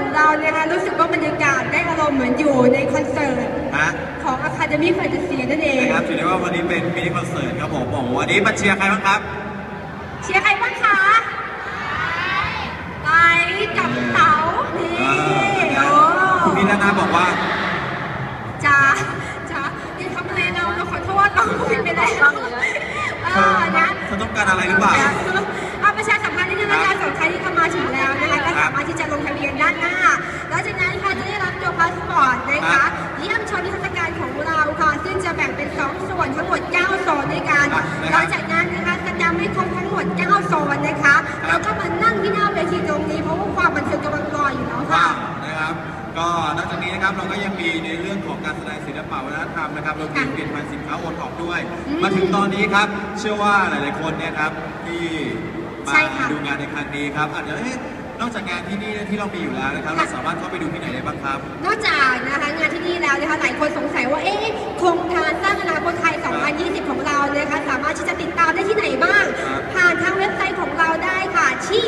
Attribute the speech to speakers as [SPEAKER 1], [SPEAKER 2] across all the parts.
[SPEAKER 1] เราเนี่ยนะรู้สึกว่าบรรยากาศได้อารมณ์เหมือนอยู่ในคอนเสิร์ตของ Academy Fantasy นั่นเอง
[SPEAKER 2] นะครับถือได้ว่าวันนี้เป็นมินิคอนเสิร์ตครับผมบอกวันนี้มาเชียร์ใครบ้างครับ
[SPEAKER 1] เชียร์ใครบ้างคะไปกับเต๋านี่โอ้
[SPEAKER 2] พี่นานาบอกว่า
[SPEAKER 1] จ้านี่ทำอะไรเราขอโทษเราผิดไปแล้วนะ
[SPEAKER 2] เธอต้องการอะไรหรือเปล่า
[SPEAKER 1] เอาประชาสัมพันธ์นิดนึงนะคะสำหรับใครที่เข้ามาถึงแล้วนะคะก็สามารถที่จะลงทะเบียนด้านหน้าแล้วจากนั้นค่ะจะได้รับตัวพาสปอร์ตนะคะเยี่ยมชมนิทรรศการของเราค่ะซึ่งจะแบ่งเป็น2ส่วนทั้งหมด9โซนด้วยกันหลังจากนั้นนะคะแสดงให้ครบทั้งหมด9โซนนะคะแล้วก็มานั่งที่หน้าเวทีตรงนี้เพราะว่าความบันเทิงกำลังรออยู่แล้วค่ะ
[SPEAKER 2] นะครับก็นอกจากนี้นะครับเราก็ยังมีในเรื่องของการแสดงศิลปะวัฒนธรรมนะครับเราเปลี่ยนผ่านสินค้าโอท็อปด้วยมาถึงตอนนี้ครับเชื่อว่าหลายๆคนเนี่ยครับที่มาดูงานในครั้งนี้ครับอาจจะนอกจากงานที่นี่ที่เรามีอยู่แล้วนะครับเราสามารถเข้าไปดูที่ไหนได้บ้างครับ
[SPEAKER 1] นอกจากนะคะงานที่นี่แล้วนะคะหลายคนสงสัยว่าโครงการสร้างอนาคตไทย 2020 ของเรานะคะสามารถที่จะติดตามได้ที่ไหนบ้างผ่านทางเว็บไซต์ของเราได้ค่ะที่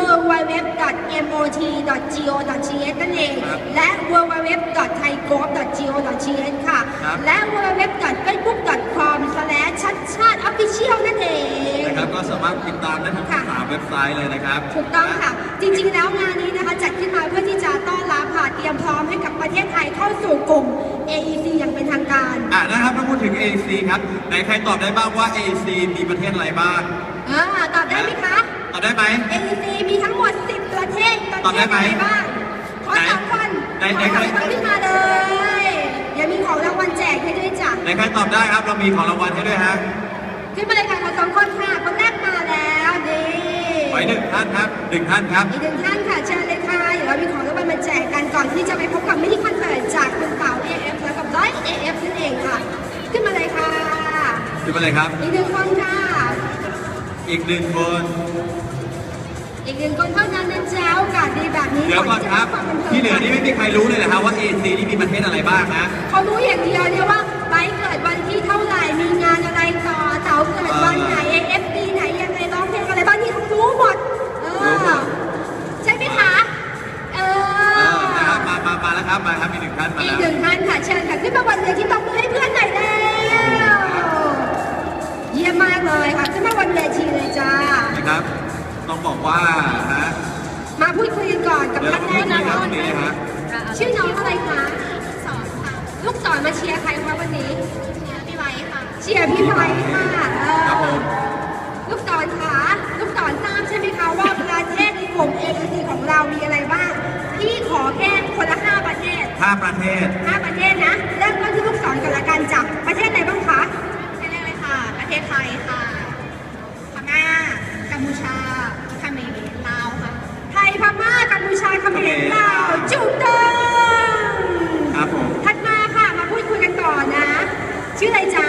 [SPEAKER 1] www.mot.go.th นั่นเองและ www.thaigov.go.th ค่ะและ www.facebook.com/ ชัดชาติ official นั่นเอง
[SPEAKER 2] นะครับก็สามารถติดตามได้ทั้ง3เว็บไซต์เลยนะครับ
[SPEAKER 1] ถูกต้องค่ะจริงๆแล้วงานนี้นะคะจัดขึ้นมาเพื่อที่จะต้อนรับค่ะเตรียมพร้อมให้กับประเทศไทยเข้าสู่กลุ่ม AEC อย่างเป็นทางการ
[SPEAKER 2] นะครับถ้าพูดถึง AEC ครับไหนใครตอบได้บ้างว่า AEC มีประเทศอะไรบ้าง
[SPEAKER 1] ตอบได้ไหมคะ
[SPEAKER 2] ตอบได้ไหม
[SPEAKER 1] AEC มีทั้งหมด10ประเทศ
[SPEAKER 2] ตอบได้ไหม
[SPEAKER 1] บ้างขอ3คน
[SPEAKER 2] ไหนใคร
[SPEAKER 1] ขึ้นมาเลยอย่ามีของรางวัลแจกให้ด้วยจ้ะ
[SPEAKER 2] ไหนใครตอบได้ครับเรามีของรางวัลให้ด้วยฮะ
[SPEAKER 1] ขึ้นมาเลยค่ะขอ2คนค่ะคนแรกมาแล้วนี่
[SPEAKER 2] ไว้1 ท่านครับ1 ท่านครับ
[SPEAKER 1] อีก1 ท่านค่ะเชิญเลยค่ะเดี๋ยวเรามีของรางวัลมาแจกกันก่อนที่จะไปพบกับมินิคอนเสิร์ตจากคุณเต๋า AF แล้วกับร้อย AF นั่นเองค่ะขึ้นมาเลยค่ะ
[SPEAKER 2] ขึ้นมาเลยครับ
[SPEAKER 1] อีก1 คนค่ะ
[SPEAKER 2] อีก1 คน
[SPEAKER 1] อีก1 คนเท่านั้นนะจ๊ะโอกาสดีแบบนี้
[SPEAKER 2] เดี๋ยวก่อนครับที่เหลือนี่ไม่มีใครรู้เลยนะครับว่า AEC นี่มีประเทศอะไรบ้างนะ
[SPEAKER 1] เขารู้อย่างเดียวเนี่ยว่าไบค์เกิดวันที่เท่าไหร่มีงานอะไรต่อเต๋าเกิดวันไหน AF ปีไหนยังไงร้องเพลงอะไรบ้างนี่เขารู้หมดใช่ไหมคะ
[SPEAKER 2] มาแล้วครับมาครับมี1 ท่านมาแล้ว
[SPEAKER 1] อีก1 ท่านค่ะเชิญค่ะขึ้นมาวันเวทีตบมือให้เพื่อนหน่อยแล้วเยี่ยมมากเลยค่ะขึ้นมาวันเวทีเลยจ้า
[SPEAKER 2] นะครับต้องบอกว่า
[SPEAKER 1] มาพูดคุยกันก่อนกับท่านแรกนะคะชื่อน้องอะไรคะลูกศรมาเชียร์ใครคะวันนี้เชียร์พี่ไว้ค่ะเชียร์พี่ไว้ค่ะลูกศรค่ะลูกศรทราบใช่ไหมคะว่าประเทศในกลุ่ม AEC ของเรามีอะไรบ้างพี่ขอแค่คนละ5 ประเทศ
[SPEAKER 2] 5 ประเทศ
[SPEAKER 1] นะเริ่มต้นที่ลูกศรกันละกันจากประเทศไหนบ้างคะ
[SPEAKER 3] ประเทศแรกเลยค่ะประเทศไทยค่ะพม่ากัมพูชาเขมรลาวค่ะ
[SPEAKER 1] ไทยพม่ากัมพูชาเขมรลาวจุดเดิม
[SPEAKER 2] ครับผม
[SPEAKER 1] ถัดมาค่ะมาพูดคุยกันต่อนะชื่ออะไรจ๊ะ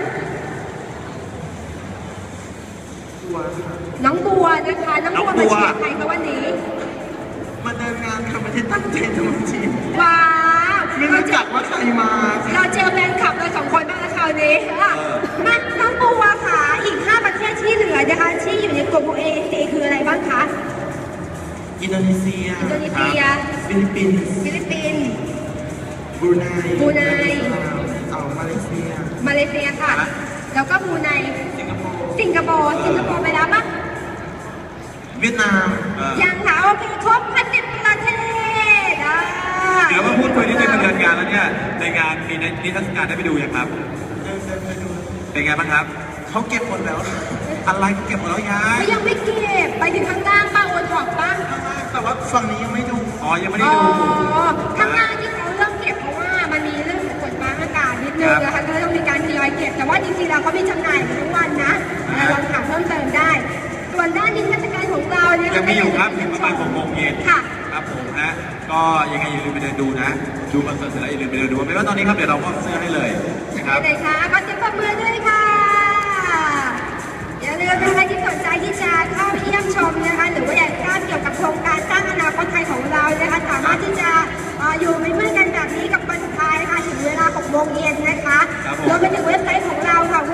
[SPEAKER 1] น้องบัวนะคะน้องบัวมาเชียร์ใครคะวันนี้
[SPEAKER 2] มาเดินงานค่ะไม่ได้ตั้งใจทำจริง
[SPEAKER 1] ว้าว
[SPEAKER 2] ไม่รู้จักว่าใครมา
[SPEAKER 1] เราเจอแฟนคลับเรา2 คนบ้างแล้วคราวนี้มาน้องบัวค่ะอีก5 ประเทศที่เหลือนะคะที่อยู่ในกลุ่ม AEC คืออะไรบ้างคะ
[SPEAKER 2] อินโดนีเซียฟิลิปปินส์บรูไนมา
[SPEAKER 1] เลเซียค่ะแล้วก็บรูไนสิงคโปร์ไปแล้วปะ
[SPEAKER 2] เวียดนาม
[SPEAKER 1] ยังค่ะโอเคครบ10 ประเทศ
[SPEAKER 2] เดี๋ยวมาพูดคุยที่เป็นเดือนงานแล้วเนี่ยในงานมีนิทรรศการได้ไปดูยังครับเป็นไงบ้างครับเขาเก็บหมดแล้วอะไรเก็บหมดแล้วย้าย
[SPEAKER 1] ยังไม่เก็บไปถึงข้างล่างป้าโอนถอกป้า
[SPEAKER 2] แต่ว่าฝั่งนี้ยังไม่ดูยังไม่ได้ดู
[SPEAKER 1] ข้างล่างที่เขาเริ่มเก็บเพราะว่ามันมีเรื่องของฝนฟ้าอากาศนิดนึงนะคะก็ต้องมีการทยอยเก็บแต่ว่าจริงๆแล้วเขามีจำหน่ายทุกวันนะลองถามเพิ่มเติมได้ส่วนด้านนิทรรศการของเราเนี่ย
[SPEAKER 2] ยังมีอยู่ครับถึงประมาณ6 โมงเย็น
[SPEAKER 1] ค่ะ
[SPEAKER 2] ครับผมนะก็ยังไงอย่าลืมไปเดินดูนะดูคอนเสิร์ตเสร็จแล้วอย่าลืมไปเดินดูไม่ว่าตอนนี้ครับเดี๋ยวเราก็เสื้อให้เลยนะครับ
[SPEAKER 1] ไหนคะขอเสียงปรบมือด้วยค่ะอย่าลืมนะคะที่สนใจที่จะเข้าเยี่ยมชมนะคะหรือว่าอยากทราบเกี่ยวกับโครงการสร้างอนาคตไทยของเรานะคะสามารถที่จะอยู่เป็นเพื่อนกันแบบนี้กับวันสุดท้ายนะคะถึงเวลา6 โมงเย็นนะคะรวมไปถึงเว็บไซต์ของเราค่ะ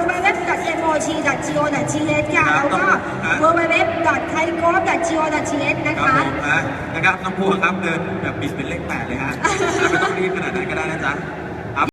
[SPEAKER 1] www.mot.go.th ค่ะแล้วก็ www.thaigov.go.th นะคะ
[SPEAKER 2] นะครับครับน้องบัวครับเดินแบบบิดเป็นเลข 8เลยฮะ